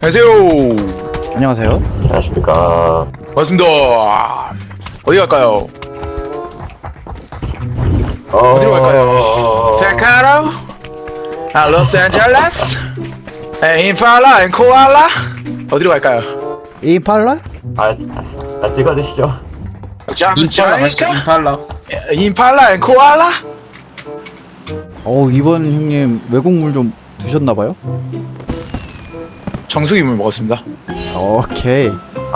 안녕하세요. 안녕하세요. 안녕하십니까. 반갑습니다. 어디 갈까요? 어디로 갈까요? 세카로? 로스앤젤레스? 임팔라 앤 코알라? 어디로 갈까요? 임팔라? 찍어주시죠. 임팔라 맛있죠? 임팔라. 임팔라 앤 코알라? 이번 형님 외국물 좀 드셨나봐요? 정수기물 먹었습니다. 오케이.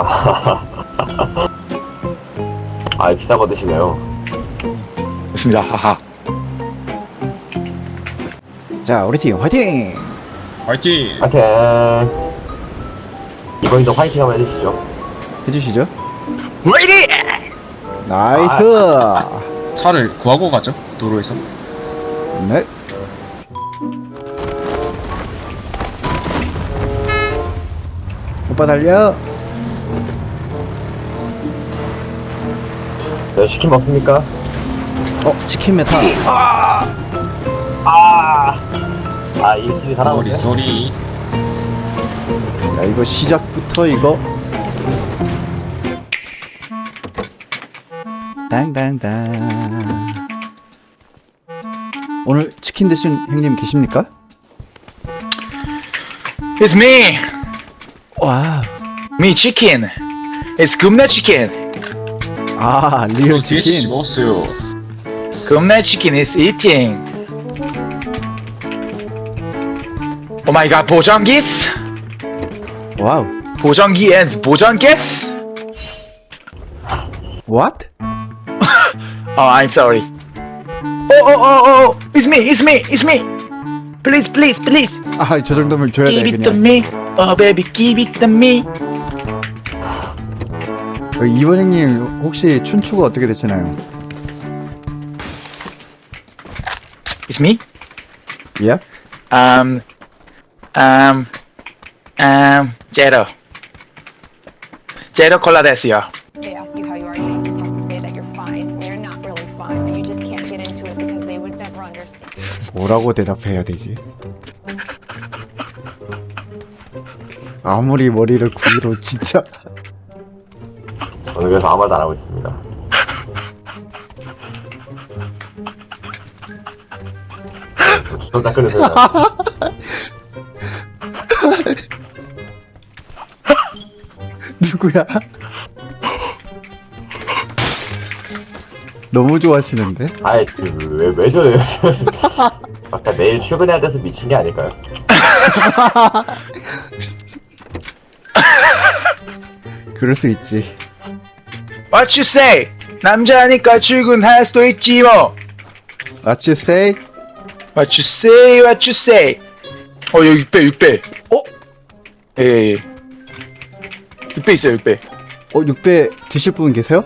비싼 거 드시네요. 됐습니다. 하하. 자, 우리 팀 화이팅! 화이팅! 하여튼 이번에도 화이팅 한번 해주시죠. 해주시죠. 레이디! 나이스! 차를 구하고 가죠, 도로에서. 네. 오빠 달려! 네, 치킨 먹습니까? 치킨 메타. 일찍이 소리 살아오네. 소리. 야, 이거 시작부터 이거. 땅땅땅. 오늘 치킨 드신 형님 계십니까? It's me! 와. Me chicken! It's 굽네 치킨! 리얼 DHC 치킨. 먹었어요. 굽네 치킨 is eating! Oh my god, 보정기스! 와우. 보정기 and 보정기스! What? I'm sorry. Oh, it's me! Please, please, please! 저 정도면 줘야 돼, Give it to 그냥. me! Oh baby, give it to me! 이번 형님 혹시 춘추가 어떻게 되시나요? It's me? Yep. 제로 콜라 데스요. They ask you how you are, you just have to say that you're fine when you're not really fine, but you just can't get into it because they would never understand. 뭐라고 대답해야 되지? 아무리 머리를 굴려 진짜. 저는 그래서 아무 말도 안 하고 있습니다. 주전자 끓여서 누구야? 너무 좋아하시는데? 왜 저래요? 아까 내일 출근해야 돼서 미친 게 아닐까요? 그럴 수 있지. What you say? 남자니까 출근할 수도 있지 뭐. What you say? What you say? What you say? 여기 6배. 예. 6배 있어요, 6배. 6배 드실 분 계세요?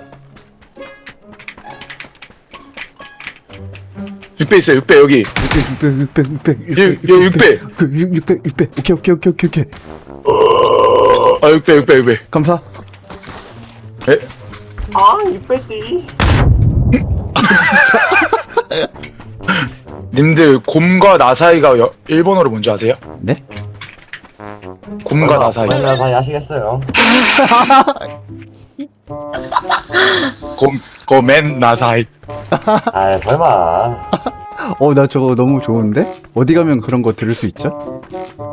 6배 있어요, 6배 여기. 6배. 6배. 6배. 오케이. 6배. 감사. 에? 6배띠. 님들 곰과 나사이가 일본어로 뭔지 아세요? 네? 곰과 나사이. 얼마나 사이 하시겠어요? 곰맨 나사이. 설마. 나 저거 너무 좋은데? 어디 가면 그런 거 들을 수 있죠?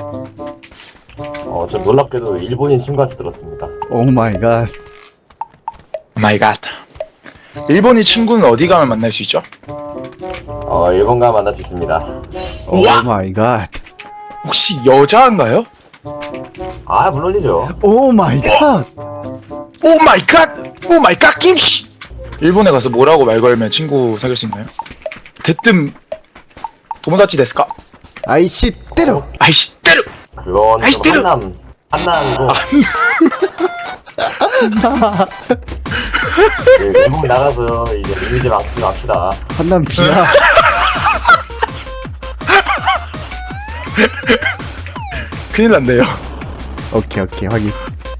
저 놀랍게도 일본인 친구한테 들었습니다. 오 마이 갓. 마이 갓. 일본인 친구는 어디 가면 만날 수 있죠? 일본 가면 만날 수 있습니다. 오 우와! 마이 갓. 혹시 여자인가요? 물론이죠. 오 마이 갓. 오 마이 갓! 오 마이 갓 김치! 일본에 가서 뭐라고 말 걸면 친구 사귈 수 있나요? 대뜸 도모다치 데스까? 아이씨 때려. 아이씨 때려! 그건 아이씨, 좀 한남이고. 외국 나가서 이제 이미지 망치지 맙시다. 한남 비야. 큰일 났네요. 오케이 확인.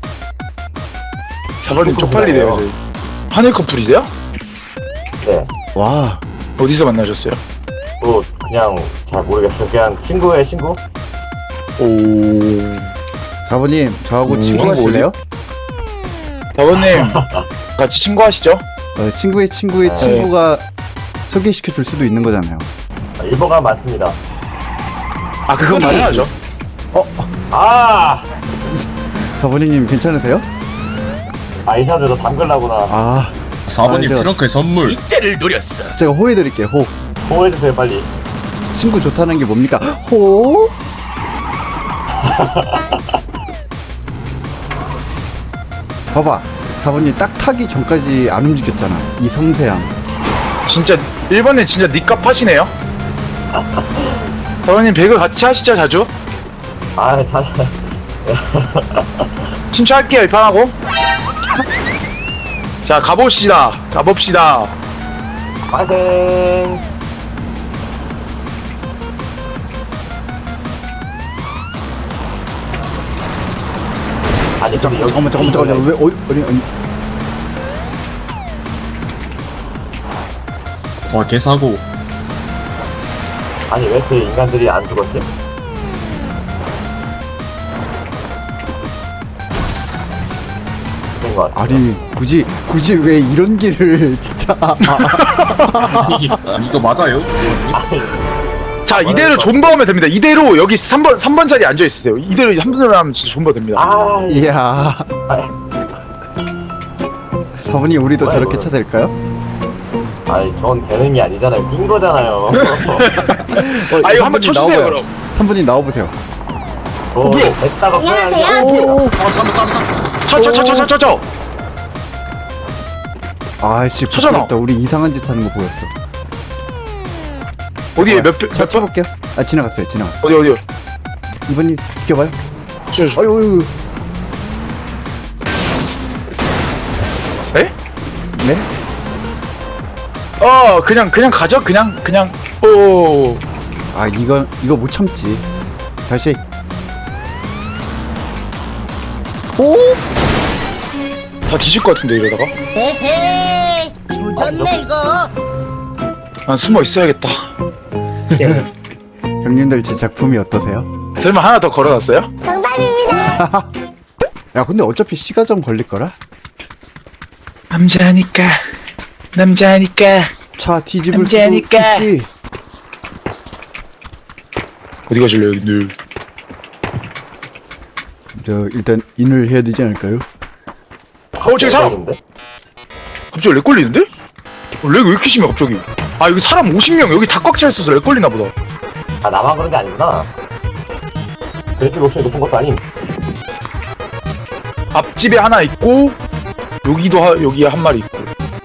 사발님 쪽팔리네요 저희. 하늘 커플이세요? 네. 와. 어디서 만나셨어요? 그냥 잘 모르겠어요. 그냥 친구의 친구? 오... 사부님 저하고 친구하실래요? 사부님 같이 친구하시죠? 친구의 친구의 친구가 소개시켜 줄 수도 있는 거잖아요. 일본가 맞습니다. 아 그건 맞지. 맞아야죠. 아! 사부님 괜찮으세요? 아이샤들 너 담글라구나. 아, 4번님 저- 트렁크에 선물. 제가 호해드릴게요. 호. 보호해주세요 빨리. 친구 좋다는 게 뭡니까? 호. 봐봐, 사부님 딱 타기 전까지 안 움직였잖아. 이 섬세함. 진짜 일본에 진짜 니값 하시네요. 사부님 배그 같이 하시죠 자주? 아 자세. 신청할게요 이 판하고. 자 가봅시다. 빠생. 아니 근데 여기 잠깐만. 왜 아니. 와 개사고. 아니 왜 이렇게 인간들이 안 죽었지? 된 것 같습니다. 아니 굳이 왜 이런 길을 진짜. 이거 맞아요? 자 이대로 존버하면 됩니다. 이대로 여기 3번 자리에 앉아 있으세요. 이대로 3번 하면 진짜 존버 됩니다. 아, 이야. 사부님 우리도 뭐야, 저렇게 이거. 쳐댈까요? 아니 전 되는 게 아니잖아요. 낀 거잖아요. 아 이거 한번 쳐주세요 그럼. 3분님 나와보세요. 뭐야? 됐다가 안녕하세요. 오. 쳐. 아이씨 쳐잖아. 부끄럽다. 우리 이상한 짓 하는 거 보였어. 어디에 몇 표? 자 쳐볼게요. 아 지나갔어요. 어디? 이번님 비켜봐요. 저. 어유. 에? 네? 그냥 가죠. 그냥. 오. 아 이거 못 참지. 다시. 오. 다 뒤질 것 같은데 이러다가. 에헤이 조졌네 이거. 난 숨어 있어야겠다. 형님들 제 작품이 어떠세요? 설마 하나 더 걸어놨어요? 정답입니다. 야 근데 어차피 시가전 걸릴 거라. 남자니까. 차 뒤집을 남자니까. 수도 있지. 어디 가실래요 늘? 저 일단 인을 해야 되지 않을까요? 저기 사람. 갑자기 렉 걸리는데? 렉 왜 이렇게 심해 갑자기? 아 여기 사람 50명 여기 다 꽉 차 있어서 렉 걸리나 보다. 아 나만 그런 게 아니구나. 그래픽 옵션이 높은 것도 아님. 앞집에 하나 있고 여기 한 마리 있고.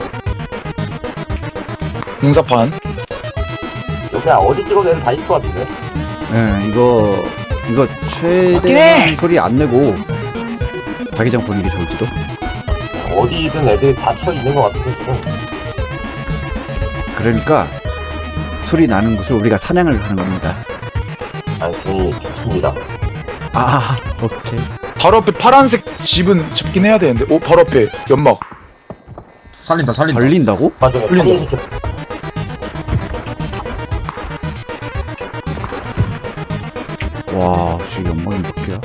공사판. 여기 어디 찍어도 애들 다 있을 것 같은데. 예, 이거 최대한 소리 안 내고 자기장 보는 게 좋을지도. 어디든 애들이 다 쳐 있는 것 같아서 지금. 그러니까 소리 나는 곳을 우리가 사냥을 하는 겁니다. 아니 괜히 죽습니다. 아, 오케이. 바로 앞에 파란색 집은 잡긴 해야 되는데. 오 바로 앞에 연막. 살린다. 걸린다고? 나중에 풀린다. 살리시켜. 와, 씨 연막이 몇 개야?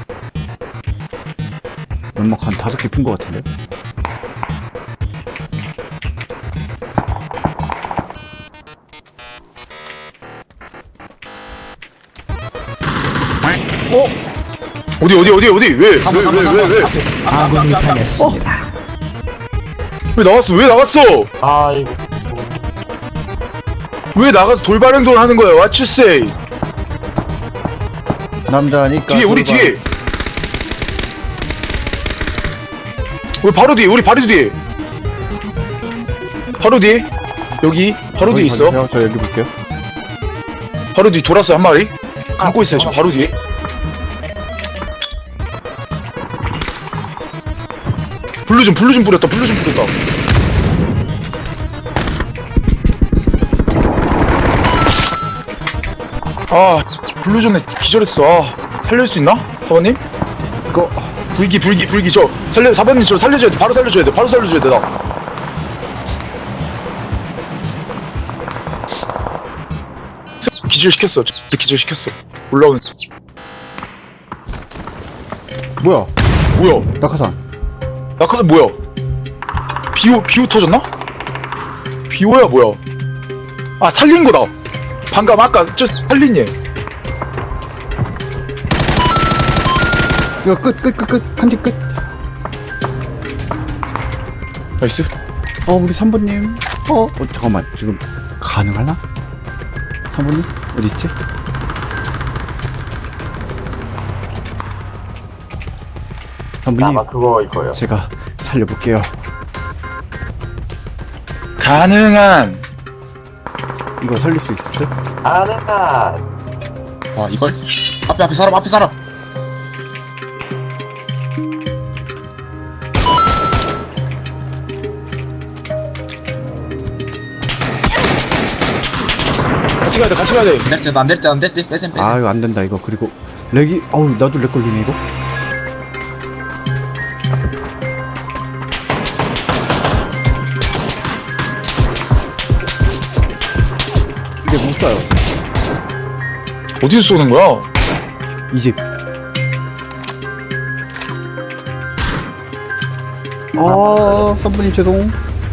연막 한 5개 푼 것 같은데? 어디 왜? 아군이 당했습니다. 왜 나갔어? 아 이거 왜 나가서 돌발 행동을 하는 거야? What you say? 남자니까. 뒤에 우리 돌발. 뒤에. 우리 바로 뒤에. 바로 뒤에. 여기 바로 뒤에 거기 있어. 봐주세요. 저 여기 볼게요. 바로 뒤 돌았어 한 마리. 감고 있어요 지금 바로 뒤에. 블루 좀 뿌렸다. 아 블루존에 기절했어. 살릴 수 있나? 사모님? 이거 불기 저 사모님 저 살려줘야 돼. 바로 살려줘야 돼 나. 기절시켰어. 올라오는. 뭐야? 뭐야? 낙하산. 낙하산 뭐야? 비오 터졌나? 비오야 뭐야? 아 살린 거다. 방금 아까 저 살린 얘. 이거 끝. 한 팀 끝. 나이스. 우리 3번님. 잠깐만. 지금 가능하나? 3번님? 어디있지? 아마 3번님, 그거일 거예요. 제가 살려볼게요. 가능한. 이거 살릴 수 있을 듯? 가능한. 와 이걸 앞에 사람. 같이 가야 돼. 안 될 때. 빼셈. 아, 이거 안 된다, 이거. 그리고, 렉이, 나도 렉 걸리네, 이거. 이제 못 쏴요. 어디서 쏘는 거야? 이 집. 선부님 죄송.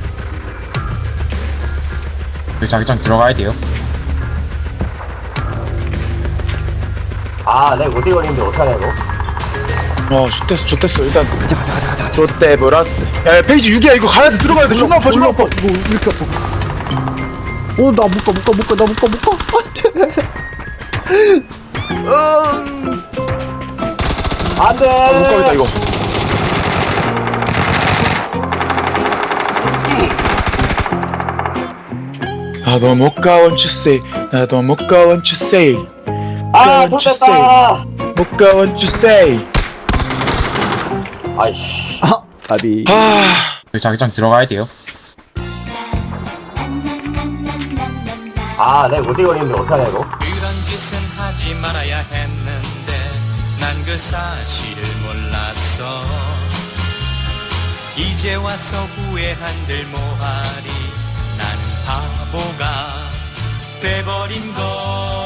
자기장 들어가야 돼요. 아, 내 오지 걸리는데 어떡하냐, 이거? 좋댔어. 일단 가자. 좋대 브라스. 야 페이지 6이야. 이거 가야 돼. 들어가야 돼. 존나 아파. 이거 왜 이렇게 아파? 나 못 가. 안 돼! 못 가겠다 이거. 나도 못 가 want you say. 나도 못 가 want you say. 아, 좋됐다! 못 가 want you say. 아이씨. 아비. 자기장 들어가야 돼요. 아, 내 오지 걸리는데 어떡하냐, 이거? 그런 짓은 하지 말아야 했는데 난 그 사실을 몰랐어. 이제 와서 후회한들 뭐하리. 나는 바보가 돼버린 걸.